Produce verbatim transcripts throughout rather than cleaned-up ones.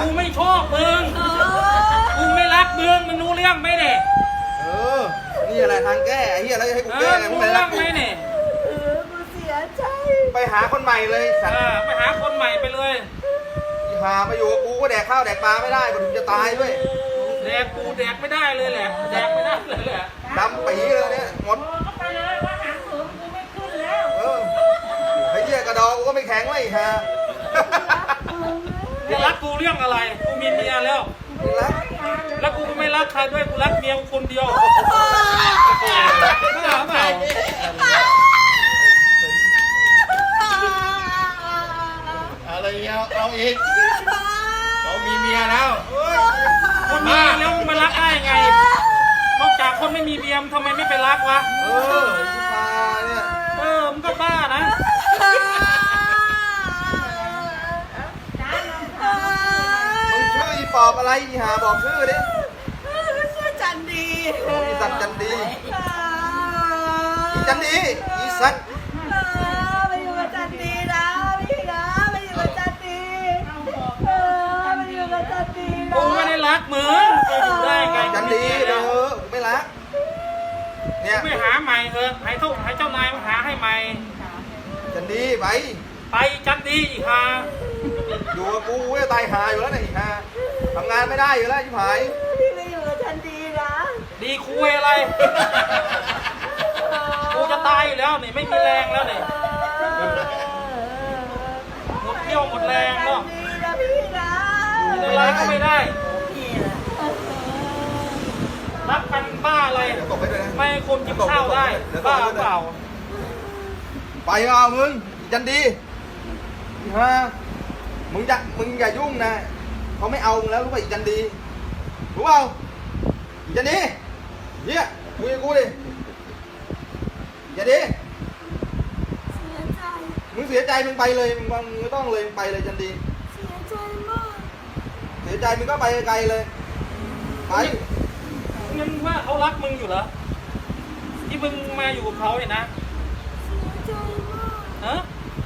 กูไม่ชอบมึงกูไม่รักมึงมึงรู้เรื่องไหมเนี่ยเออนี่อะไรทางแก้ไอ้เหี้ยแล้วจะให้กูแก้ไงมึงรู้ไม่เรื่รัอก งกูไหมเนี่ยเออกูเสียใจไปหาคนใหม่เลยสัตเอว์อไปหาคนใหม่ไปเลยหามาอยู่กับกูก็แดกข้าวแดกปลาไม่ได้มันถึงจะตายด้วยแดกกูแดกไม่ได้เลยแหละแดกไม่ได้เลยแหละดำปีเลยเนี่ยหมดก็ไปเลยว่าหางเสริมกูไม่ขึ้นแล้วเออไอ้เหี้ยกระดองกูก็ไม่แข็งเลยฮะจะรักกูเรื่องอะไรกูมีเมียแล้วรักแล้วกูก็ไม่รักใครด้วยกูรักเมียกูคนเดียวไม่เอาไม่เอาอะไรเอาเอาอีกเรามีเมียแล้วคนมีแล้วมึงมารักได้ไงนอกจากคนไม่มีเมียมทำไมไม่ไปรักวะเออชิพาเนี่ยเออมึงก็บ้านะมึงชื่ออีปอบอะไรอีหาบอกชื่อดิชื่อจันดีโอ้อีสัตว์จันดีอีจันดีอีสัตว์ไปอยู่กับจันดีนะพี่นะไปอยู่กับจันดีเออไปอยู่กับจันดีนะกูไม่ได้รักมึงไปอยู่ได้ไงจันดีเด้อกูไม่รักเนี่ยไม่หาใหม่เถอะให้เท่าให้เจ้านายมาหาให้ใหม่จันดีไปไปจันดีอีกฮะอยู่กับกูกูจะตายหาอยู่แล้วเนี่ยอีหาทำงานไม่ได้อยู่แล้วชิบหายพี่ไปอยู่กับจันดีนะดีคุยอะไรกูจะตายอยู่แล้วนี่ไม่มีแรงแล้วนี่หมดเที่ยวหมดแรงแล้วดีนะพี่นะกินอะไรก็ไม่ได้รักกันบ้าอะไรเดี๋ยวตบไปด้วยนะไม่ให้คนกินข้าวได้บ้าเปล่าไปเอามึงอีจันดีอีฮามึงจะมึงอย่ายุ่งนะเขาไม่เอามึงแล้วรู้ป่ะอีจันดีรู้เปล่าอีจันดีเนี่ยคุยกับกูดิอีจันดีเสียใจมึงเสียใจมึงไปเลยมึงมึงไม่ต้องเลยมึงไปเลยจันดีเสียใจมากเสียใจมึงก็ไปไกลเลยไปงั้นว่าเขารักมึงอยู่เหรอที่มึงมาอยู่กับเขาเนี่ยนะเสียใจมากฮะ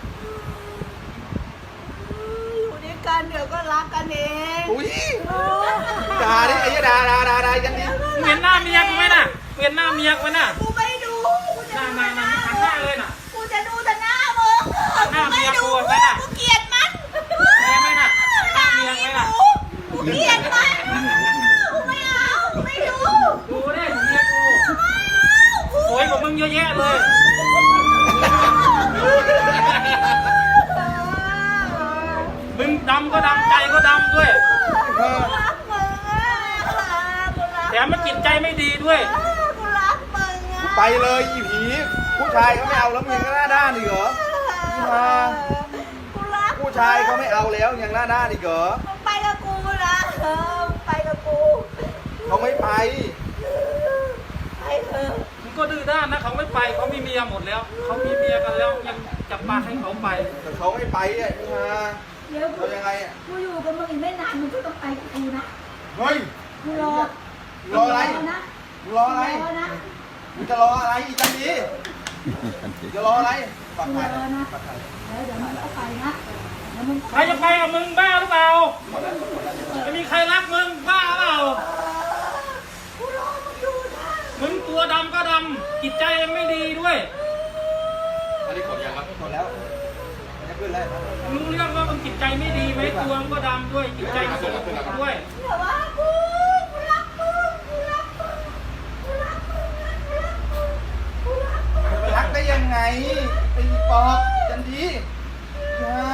อยู่ด้วยกันเดี๋ยวก็รักกันเองอุ้ยด่าดิไอ้ยด่าด่าด่าด่าจันดีมึงเห็นหน้าเมียกูไหมน่ะมึงเห็นหน้าเมียกูไหมน่ะกูไม่ดูกูหจะน้าดูหน้าหน้าหันหน้าเลยน่ะกูจะดูแต่หน้ามึงหน้าเมียกูไหมน่ะกูเกลียดมันแม่ไหมน่ะหน้าเมียไหมน่ะกูเกลียดมันกูไม่เอากูไม่ดูดูดิเมียกูสวยกว่ามึงเยอะแยะเลย มึงดำก็ดำใจก็ดำด้วยเออรักมึงอ่ะกูรักแถมมันจิตใจไม่ดีด้วยกูรักมึงอ่ะไปเลยอีผีผู้ชายเขาไม่เอาแล้วมึงยังหน้าด้านอีกเหรอกูรักผู้ชายเขาไม่เอาแล้วยังหน้าด้านอีกเหรอมึงไปกับกูนะเออมึงไปกับกูเขาไม่ไปไปเถอะมึงก็ดื้อด้านนะเขาไม่ไปเขามีเมียหมดแล้ว เขามีเมียกันแล้วยังจับปากให้เขาไปแต่เขาไม่ไปอ่ะพี่ฮาเดี๋ยวกูเรายังไงอ่ะกูอยู่กับมึงอีกไม่นานมึงก็ต้องไปกับกูนะเฮ้ยกูรอรออะไรนะมึงรออะไรรอนะมึงจะรออะไรอีจันดีจะรออะไรปักกูไข่รอนะปักไข่เดี๋ยวเดี๋ยวมึงก็ไปนะเดี๋ยวมึงใครจะไปกับมึงบ้าหรือเปล่าจะมีใครรักมึงบ้าเปล่ากูรอมึงอยู่นะมึงตัวดำก็ดำจิตใจยังไม่ดีด้วยอันนี้ขอยังครับหมดแล้วมันจะขึ้นแล้วมึงรู้เรื่องว่ามึงจิตใจไม่ดีไหมตัวมึงก็ดำด้วยจิตใจก็สกปรกด้วยอย่าว่ากูกูรักมึงกูรักมึงกูรักมึงนะกูรักมึงกูรักมึงไปรักได้ยังไงไอ้ปอบจันดีฮา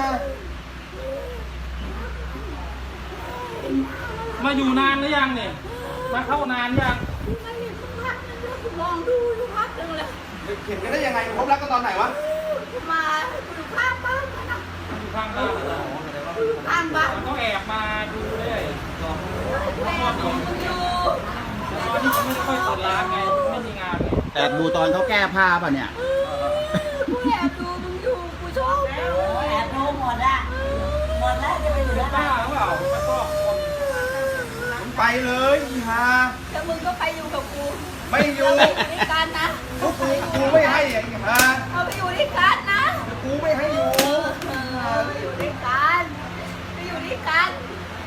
มาอยู่นานหรือยังเนี่ยมาเข้านานยังกูไม่เห็นมึงพักนึงแล้วกูมองดูอยู่พักนึงเลยเห็นกันได้ยังไงพบรักกันตอนไหนวะกูมากูอยู่ข้างบ้านมันนะอยู่ข้างบ้านเหรอกูอยู่ข้างบ้านมันก็แอบมาดูเลยหรอแม่ของมึงอยู่ตอนนี้ผมไม่ค่อยเปิดร้านไงไม่มีงานไงแอบดูตอนเขาแก้ผ้าป่ะเนี่ยกูแอบดูมึงอยู่กูชอบมึงแอบดูหมดอะหมดแล้วจะไปอยู่เป็นได้บ้าหรือเปล่ามาชอบคนมึงไปเลยอีฮาแล้วมึงก็ไปอยู่กับกูไม่อยู่เราไปอยู่ด้วยกันนะพวกกูกูไม่ให้ไอ้ฮาเอาไปอยู่ด้วยกันนะกูไม่ให้อยู่เออไปอยู่ด้วยกันไปอยู่ด้วยกัน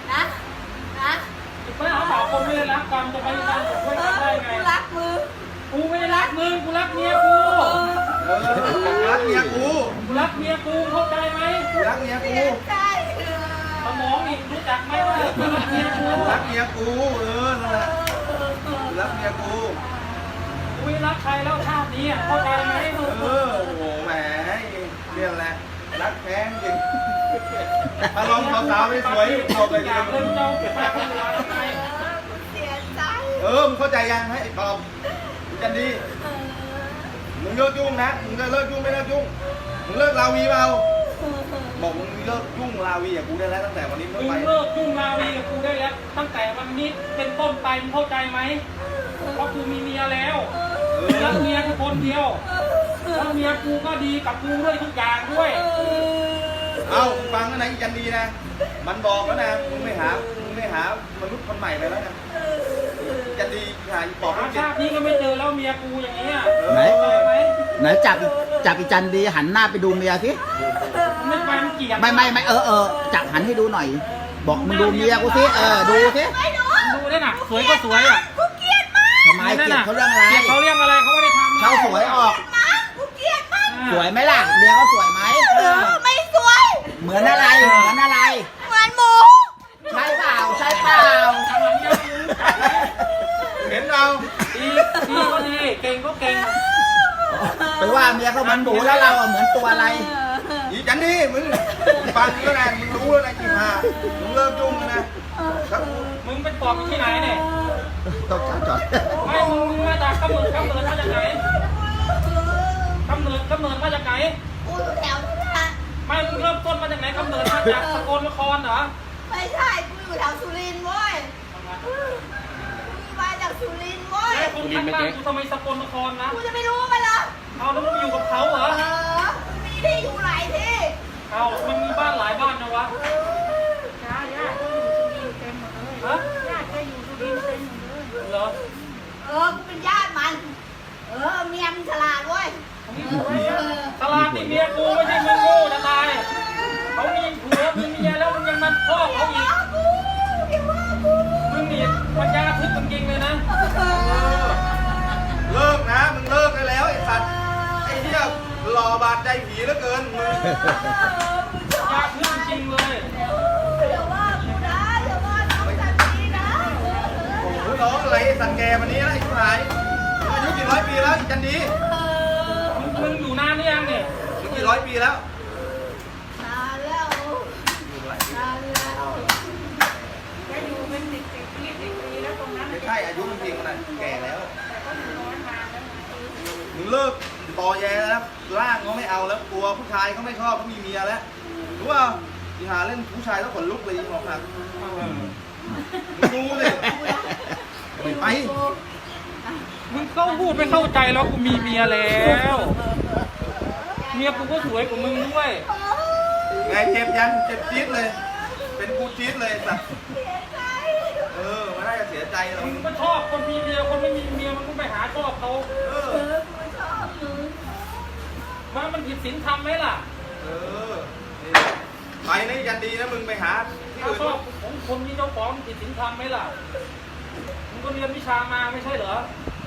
นะนะไม่เอาเปล่าคนไม่ได้รักกันจะไปรักช่วยกันได้ไงกูรักมึงกูไม่ได้รักมึงกูรักเมียกูเออรักเมียกูกูรักเมียกูเข้าใจไหมรักเมียกูใช่สมองอีกรู้จักไหมว่ากูรักเมียกูรักเมียกูเออนั่นแหละรักเมียกูกูไม่รักใครแล้วชาตินี้เข้าใจไหมเออโอ้โหแหมเรียกอะไรรักแท้จริงถ้าลองสาวๆไม่สวยบอกเลยอยากเล่นเจ้าเก็บมาเป็นเวลาทำไมเสียใจเออมึงเข้าใจยังให้ตอบจันดีมึงเลิกยุ่งนะมึงจะเลิกยุ่งไม่เลิกยุ่งมึงเลิกลาวีเปล่าบอกมึงเลิกยุ่งลาวีกับกูได้แล้วตั้งแต่วันนี้มึเมื่อง ไปเลิกยุ่งราวีกับกูได้แล้วตั้งแต่วันนี้เป็นต้นไปมึงเข้าใจไหมเพราะกูมีเมียแล้วรักเมียแค่คนเดียวแล้วเมียกูก็ดีกับกูด้วยทุกอย่างด้วยเอ้ามึงฟังนะนะอีจันดีนะมันบอกแล้วนะมึงไม่หามึงไม่หามนุษย์คนใหม่ไปแล้วนะจันดีหาอีบอกหาว่าเจ็บชาตินี้ก็ไม่เจอแล้วเมียกูอย่างนี้ยไหนเข้าใจไหมไหนจับจับอีจันดีหันหน้าไปดูเมียสิไม่ไปมันเกลียดไม่ไม่ไม่เออเออจับหันให้ดูหน่อย บอกมึงดูเมียกูสิเออดูสิไม่รู้ดูได้น่ะสวยก็สวยอ่ะกูเกลียดมากทำไมเกลียดเขาเรื่องอะไรเกลียดเขาเรื่องอะไรเขาไม่ได้ทำเขาสวยออกมากกูเกลียดมากสวยไหมล่ะเมียเขาสวยไหมเออไม่สวยเหมือนอะไรเหมือนอะไรเหมือนหมูใช่เปล่าใช่เปล่าทำอย่างนี้กูรู้จักไหมเห็นเราดีดีก็ดีเก่งก็เก่งไปว่าเมียเขาเหมือนหมูแล้วเราอะเหมือนตัวอะไรอีจันดีมึงฟังแล้วนะมึงรู้แล้วนะจิมามึงเลิกยุ่งแล้วนะครับมึงเป็นปอบอยู่ที่ไหนเนี่ยต้องจับจอดไม่มึงมึงมาจากกำเนิดกำเนิดมาจากไหนกำเนิดกำเนิดมาจากไหนกูอยู่แถวนี้นะไม่มึงเริ่มต้นมาจากไหนกำเนิดมาจากสกลนครเหรอไม่ใช่กูอยู่แถวสุรินทร์เว้ยกูมาจากสุรินทร์เว้ยแล้วคนข้างบ้านกูทำไมสกลนครนะกูจะไม่รู้มันเหรอเอาแล้วมึงไปอยู่กับเขาเหรอเออมีที่อยู่หลายที่เอามันมีบ้านหลายบ้านนะวะญาติญาติก็อยู่สุรินทร์เต็มหมดเลยฮะญาติก็อยู่สุรินทร์เต็มหมดเลยเหรอเออกูเป็นญาติมัน เออเมียมันฉลาดเว้ยเออตลาดนี่เมียกูไม่ใช่มึงโง่จะตายเขามีผัวมีเมียแล้วมึงยังมาพ่อเขาอีกกูอย่าว่ากูมึงนี่ปัญญาทึบจริงๆเลยนะเออเลิกนะมึงเลิกได้แล้วไอ้สัตว์ไอ้เหี้ยหล่อบาดใจผีเหลือเกินมึงปัญญาทึบจริงๆเลยอย่าว่ากูนะอย่าว่าน้องจันทีนะโอ้โหน้องอะไรไอ้สัตว์แกวันนี้นะไอ้ผู้ชายมึงอายุกี่ร้อยปีแล้วอีจันดีมึงมึงอยู่นานหรือยังเนี่ยมึงกี่ร้อยปีแล้วนานแล้วนานแล้วแกอยู่เป็นสิบสิบปีสิบปีแล้วตรงนั้นไม่ใช่อายุจริงๆมันนะแก่แล้วแต่ก็อยู่น้อยนานแล้วนะมึงเลิกต่อแยแล้วร่างเขาไม่เอาแล้วกลัวผู้ชายเขาไม่ชอบเขามีเมียแล้วรู้ป่ะที่หาเล่นผู้ชายแล้วขนลุกเลยบอกหนักมึงดูเลยไม่ไปมึงเข้าพูดไม่เข้าใจแล้วกูมีเมียแล้ว เมียกูก็สวยกว่ามึงด้วยไงเจ็บยังเจ็บจี๊ดเลย เป็นกูจี๊ดเลยสัตว์เสียใจเออมันน่าจะเสียใจเรามึงก็ชอบคนมีเมียคนไม่มีเมียมันก็ไปหาชอบเขาเออเออกูชอบมึงว่ามันผิดศีลธรรมไหมล่ะเออนี่ไปนี่ยันดีนะมึงไปหาที่ถ้าอื่นชอบของคนที่เจ้าของผิดศีลธรรมไหมล่ะ มึงก็เรียนวิชามาไม่ใช่เหรอ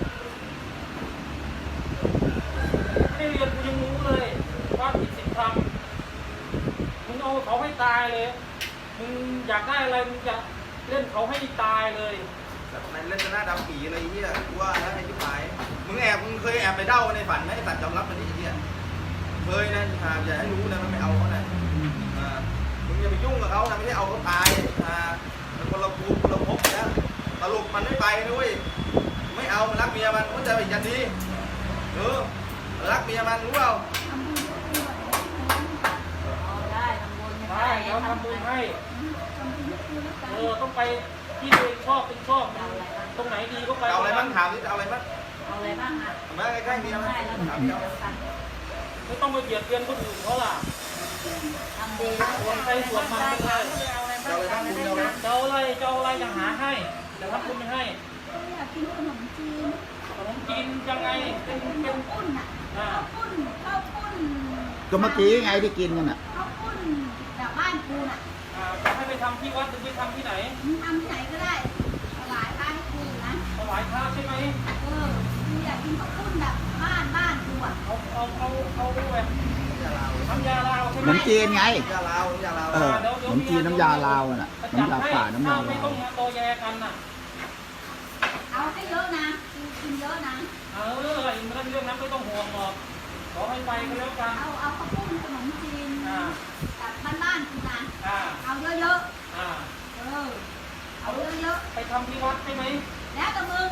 ไม่ได้เรียนกูยังรู้เลยว่าผิดศีลธรรม มึงเอาเขาให้ตายเลย มึงอยากได้อะไรมึงจะเล่นเขาให้ตายเลยแต่มันเล่นจะหน้าดำปีอะไรเงี้ยกูว่านะไอ้ที่หายมึงแอบมึงเคยแอบไปเด้าในฝันไหมไอ้สัตว์ยอมรับมันนี่ไอ้เงี้ยเคยนะหาอย่าให้รู้นะมันไม่เอาเขานะอ่ามึงอย่าไปยุ่งกับเขานะไม่ใช่เอาเขาตายอ่ามันคนละภูมิคนละภพนะสรุปมันไม่ไปนะเว้ยไม่เอามันรักเมียมันมันจะไปยันดีเออรักเมียมันรู้เปล่าเอาได้ทำบุญได้เดี๋ยวทำบุญให้ เออต้องไปที่ตัวเองชอบเป็นชอบ ตรงไหนดีก็ไปเอาอะไรบ้างถามดิจะเอาอะไรบ้างเอาอะไรบ้างอ่ะมาใกล้ๆเมียมันได้แล้วถามทำดิเดียเอาวกันไม่ต้องมาเบียดเบียนคนอื่นเขาล่ะทำดีแล้วส่วนใครส่วนมันไปเลยเอาอะไรเอาอะไรบ้างคุณเอาอะไรบ้างเจ้าอะไรเจ้าอะไรยังหาให้แต่ทำบุญไม่ให้อยากกินขนมจีนขนมจีนยังไงเป็นเป็นปุ้นอ่ะอ่าข้าวปุ้นข้าวปุ้นก็เมื่อกี้ไงที่กินกันอ่ะข้าวปุ้นจากบ้านกูน่ะอ่าจะให้ไปทำที่วัดหรือไปทำที่ไหนมึงทำที่ไหนก็ได้ถวายพระให้กูนะถวายพระใช่ไหมเออกูอยากกินข้าวปุ้นแบบบ้านบ้านกูอ่ะเอาเอาเอาเอาแบบน้ำยาลาวใช่ขไหนมมจีนไงน้ำยาลาวน้ำยาลาวเออขนมจีนน้ำยาลาวน่ะจัดน้ำยาให้ป่าน้ำยาไม่ลาต้อวงมาโตแยกันน่ะเอาให้เยอะนะกูกินเยอะนะเออเรื่องเรื่องนั้นไม่ต้องห่วงหรอกขอให้ไปก็แล้วกันเอาเอาข้าวปุ้นขนมจีนอ่าแบบบ้านบ้านๆกูนะอ่าเอาเยอะอ่าๆเออเอาเยอะไปทำที่วัดใช่ไหมๆแล้วแต่มึง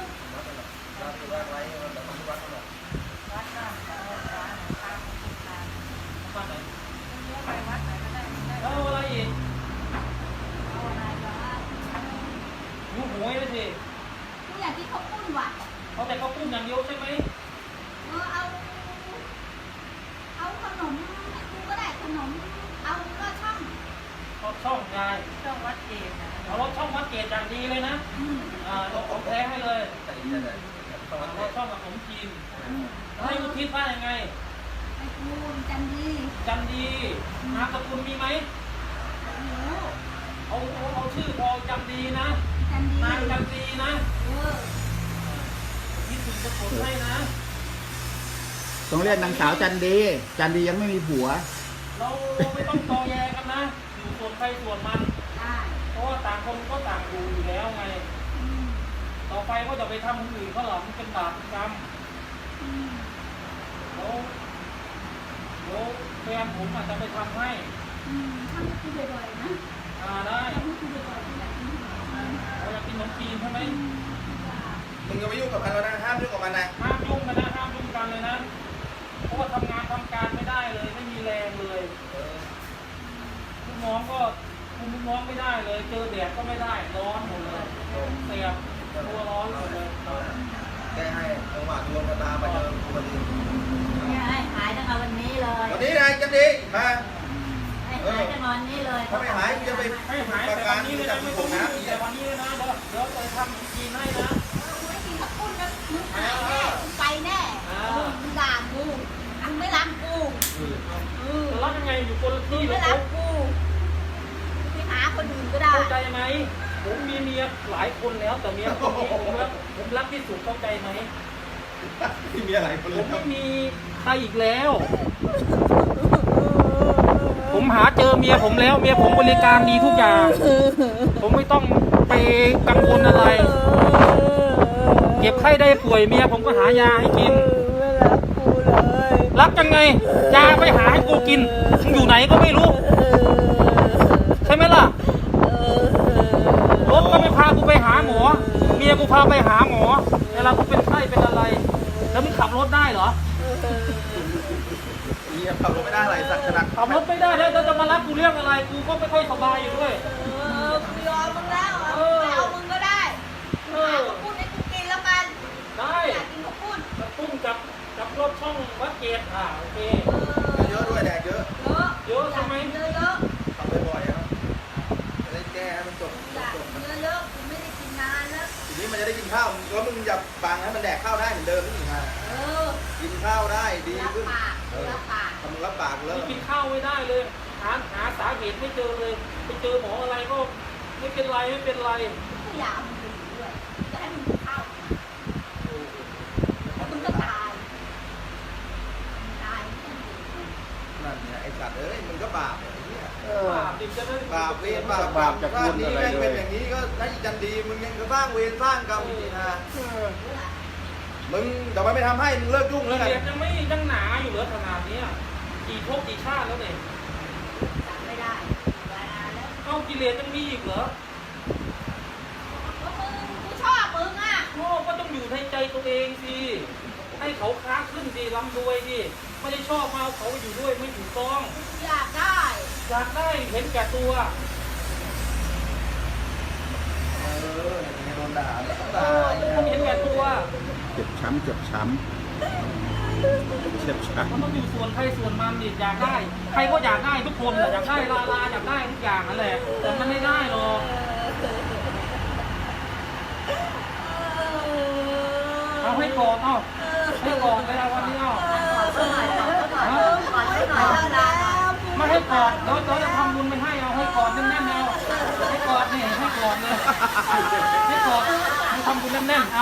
วัดบ้านเขาวัดร้านตามคุณตามวัดไหนเลี้ยวไปวัดไหนก็ได้ได้แล้วอะไรอีกเอาอะไรวะหิวโหยเลยสิกูอยากกินข้าวปุ้นว่ะเขาแต่เขาปุ้มอย่างเดียวใช่ไหมเออเอา เอาขนมให้กูก็ได้ขนม เอาก็ช่องเขาช่องยายต้องวัดเกณฑ์นะเอารถช่องวัดเกตอย่างดีเลยนะอืมอ่าเราของแท้ให้เลยรถช่องกับผมจีนให้อุทิศว่ายังไงไอ้กูจันดีจันดีนามสกุลมีไหมหนูเอาเอาเอาชื่อพอจันดีนะจันดีนางจันดีนะเออนี่ถึงจะผลให้นะต้องเรียกนางสาวจันดี จันดียังไม่มีผัวเราเราไม่ต้องตอแยกันนะ อยู่ส่วนใครส่วนมันได้เพราะว่าต่างคนก็ต่างอยู่อยู่แล้วไงอืมต่อไปก็จะไปทำคนอื่นเขาหรอมันเป็นบาปเป็นกรรมอืมแล้วแล้วแฟนผมอาจจะไปทำให้อืมทำให้กูบ่อยๆนะอ่าได้ทำให้กูบ่อยๆอยากกินขนมจีนเราอยากกินขนมจีนใช่ไหมมึงก็ไม่ยุ่งกับมันแล้วนะห้ามยุ่งกับมันนะห้ามยุ่งกันนะห้ามยุ่งกันเลยนะ เพราะว่าทำงานทำการไม่ได้เลย ไม่มีแรงเลยลูกน้องก็คุมลูกน้องไม่ได้เลย เจอแดดก็ไม่ได้ ร้อนหมดเลยเสียบตัวร้อนหมดเลยแกให้จังหวะดวงชะตาไปเจอคนอื่นเนี่ยให้หายตั้งแต่วันนี้เลยวันนี้นะจันดีมาให้หายตั้งแต่วันนี้เลยถ้าไม่หายกูจะไปให้หายประแต่กัวัน นนี้เลยจันะบไม่ผต้องมนะแต่วันนี้เลยนะเดี๋ยวเดี๋ยวจะทำขนมจีนให้นะกูไม่กินข้าวปุ้นนะมึงหายแน่มึงไปแน่มึงด่ากูมึงไม่รักกูเออจะรับยังไงอยู่คนละมึที่งเลไม่ยรักกูไปหาคนอื่นก็ได้เข้าใจไหมผมมีเมียหลายคนแล้วแต่เมียคนนี้ผมรักผมรักที่สุดเข้าใจไหมที่มีอะไรคนผเลยมไม่มีใครอีกแล้ว ผมหาเจอเมียผมแล้ว เมียผมบริการดีทุกอย่าง ผมไม่ต้องไปกังวลอะไร เก็บไข้ได้ป่วยเมียผมก็หายาให้กินไม่รักกูเลยรักยังไงยาไปหาให้กูกินมึงอยู่ไหนก็ไม่รู้ ใช่ไหมล่ะ รถก็ไม่พากูไปหาหมอ เมียกูพาไปหาหมอเวลากูเป็นไข้เป็นอะไร แล้วมึงขับรถได้เหรอเมียขับรถไม่ได้อะไรสักขนาดขับรถไม่ได้แล้วจะมารับกูเรื่องอะไร กูก็ไม่ค่อยสบายอยู่ด้วยเออกูยอมมึงแล้วอ่ะไม่เอามึงก็ได้หาข้าวปุ้นให้กูกินแล้วกันได้อยากกินข้าวปุ้นกับปุ้มกับกับรถช่องวัดเกตอ่าโอเคเยอะด้วยแดดเยอะเยอะเยอะใช่ไหมเยอะเยอะขับบ่อยๆครับจะได้แก้ให้มันจบอยากจบเยอะเยอะกูไม่ได้กินนานแล้วทีนี้มันจะได้กินข้าวแล้วมึงอย่าบังให้มันแดกข้าวได้เหมือนเดิมนี่ฮะเออกินข้าวได้ดีรับขึ้นปากเออรับปากทำมึงรับปากแล้วนี่กินข้าวไม่ได้เลย หาหาสาเหตุไม่เจอเลย ไปเจอหมออะไรก็ไม่เป็นไรไม่เป็นไรกูอยากเอามึงไปอยู่ด้วยจะให้มึงกินข้าวแล้วมึงก็ตายมึงตายไม่ต้องอยู่นั่นเนี่ยไอ้สัตว์เอ้ยมึงก็บาปไอ้เนี่ยบาปดิจะได้บาปเวรบาปกรรมชาตินี้แม่งเป็นอย่างนี้ก็ถ้าอีจันดีมึงยังจะสร้างเวรสร้างกรรมจริงๆนะมึงเดี๋ยวมันไม่ทำให้มึงเลิกยุ่งแล้วกันเรียนยังไม่ยังหนาอยู่เหรอขนาดนี้กี่ภพกี่ชาติแล้วเนี่ยจำไม่ได้เวลาแล้วเอ้ากิเลสยังมีอีกเหรอก็มึงกูชอบมึงอ่ะโง่ก็ต้องอยู่ในใจตัวเองสิให้เขาค้าขึ้นสิร่ำรวยสิไม่ได้ชอบมาเอาเขาอยู่ด้วยไม่ถูกต้องอยากได้อยากได้เห็นแก่ตัวเออเนี่ยโดนด่าเนี่ยต้องเอด่าอทุกคนเห็นแก่ตัวเจ็บช้ำเจ็บช้ำเจ็บช้มันต้องอยู่ส่วนใครส่วนมันดิอยากได้ ใครก็อยากได้ทุกคนแหละอยากได้ลาลาอยากได้ทุกอย่างนั่นแหละแต่มันไม่ได้หรอกเอาให้กอดเอาให้กอดเวลาวันนี้เอาก่อนสักหน่อยก่อนสักหน่อยก่อนสักหน่อยแล้วกูไม่ให้กอดเดี๋ยวเดี๋ยวจะทำบุญไม่ให้เอาให้กอดแน่นๆเอาให้กอดนี่ให้กอดเลยให้กอดให้ทำบุญแน่นๆเอา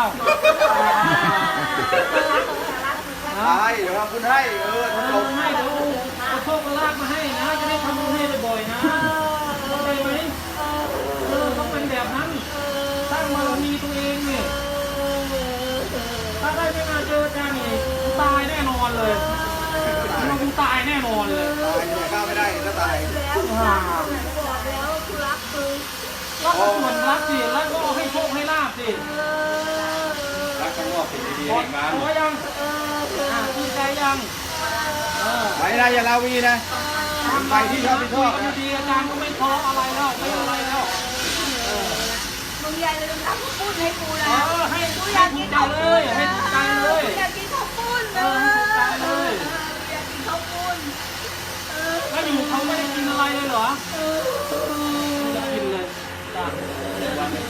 ตายเดี๋ยวทำคุณให้เออเอจอบ ให้เดี๋ยวเอาโชคลาภมาให้นะจะได้ทำบุญให้บ่อยๆนะเข้าใจไหมเออต้องเป็นแบบนั้นสร้างบารมีตัวเองเนี่ยถ้าได้ไม่มาเจอกันนี่ตายแน่นอนเลยมันกูตายแน่นอนเลยตายเนี่ยก้าวไม่ได้ก็ตายแล้วบอกแล้วกูรักมึงก็ส่วนรักสิแล้วก็ให้โชคให้ลาบสิรักข้างนอกสิ่งดีขๆอให้มาขอยังอ่าดีใจยังเออไปนะอย่าลาวีนะไปที่ชอบที่ชอบคุยนะกันดีๆอาจารย์ก็ไม่ทะเลาะอะไรแล้วไม่อะไรแล้วเออมึงอย่าลืมทำข้าวปุ้นให้กูเอนะอให้กูอให้ยากถูกิกนใจข้าวเลปุ้นยให้ถูกใจเลยอยากกินข้าวปุ้นเอนะอถูกใจเลยอยากกินข้าวปุ้นแล้วอยู่เขาไม่ได้กินอะไรเลยเหรอไม่ได้กินเลยจ้ะ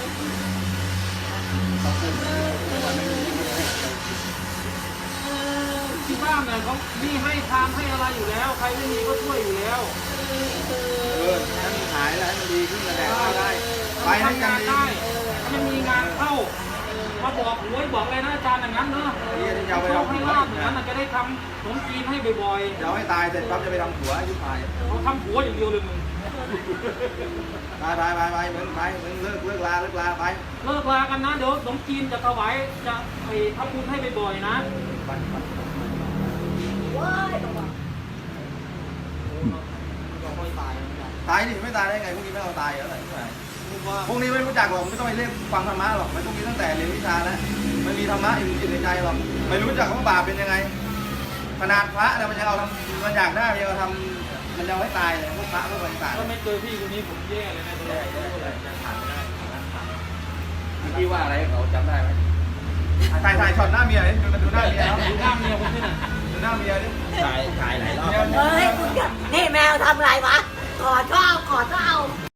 ที่บ้านเนี่ยเขามีให้ทานให้อะไรอยู่แล้ว ใครไม่มีก็ช่วยอยู่แล้วเออให้มันหายแล้วให้มันดีขึ้นแล้วแดกข้าวได้ไปให้ทำกันงานดีได้ถ้าไม่มีงานเข้ามาบอกหวยบอกอะไรนะอาจารย์อย่างนั้นเนอะนี่จะเอาไปโชคทำให้หัวลาบอย่างนั้นน่ะจะได้ทำขนมจีนให้บ่อยจะเอาให้ตายเสร็จปั๊บจะไปทำหัวให้ยุบหายๆเขาทำหัวอย่างเดียวเลยมึงไปไปไปไปมึงไปมึงเลิกเลิกลาเลิกลาไปเลิกลากันนะเดี๋ยวขนมจีนจะถวายจะไปทำบุญให้บ่อยๆนะไปไปว้ายบอกว่าตายนี่ไม่ตายได้ไงพวกนี้ไม่เอาตายเหรอไหนว่าพวกนี้ไม่รู้จักหรอกไม่ต้องไปเรียกฟังธรรมะหรอกไม่ต้องมีตั้งแต่เรียนวิชาแล้วมันมีธรรมะอยู่จิตในใจหรอกไม่รู้จักว่าบาปเป็นยังไงขนาดพระเนี่ยมันยังเอาทำมันอยากได้มันยังเอาทำมันยังไม่ตายเลยพวกพระพวกอะไรต่างถ้าไม่เจอพี่คนนี้ผมแย่เลยนะตัวพี่ว่าอะไรเขาจำได้ไหมถ่ายถ่ายช็อตหน้าเมียดิดูหน้าเมียดูหน้าเมียผมที่ไหนดูหน้าเมียดิถ่ายถ่ายหลายรอบเฮ้ยคุณนี่แมวทำอะไรวะ ขอชอบขอเจ้า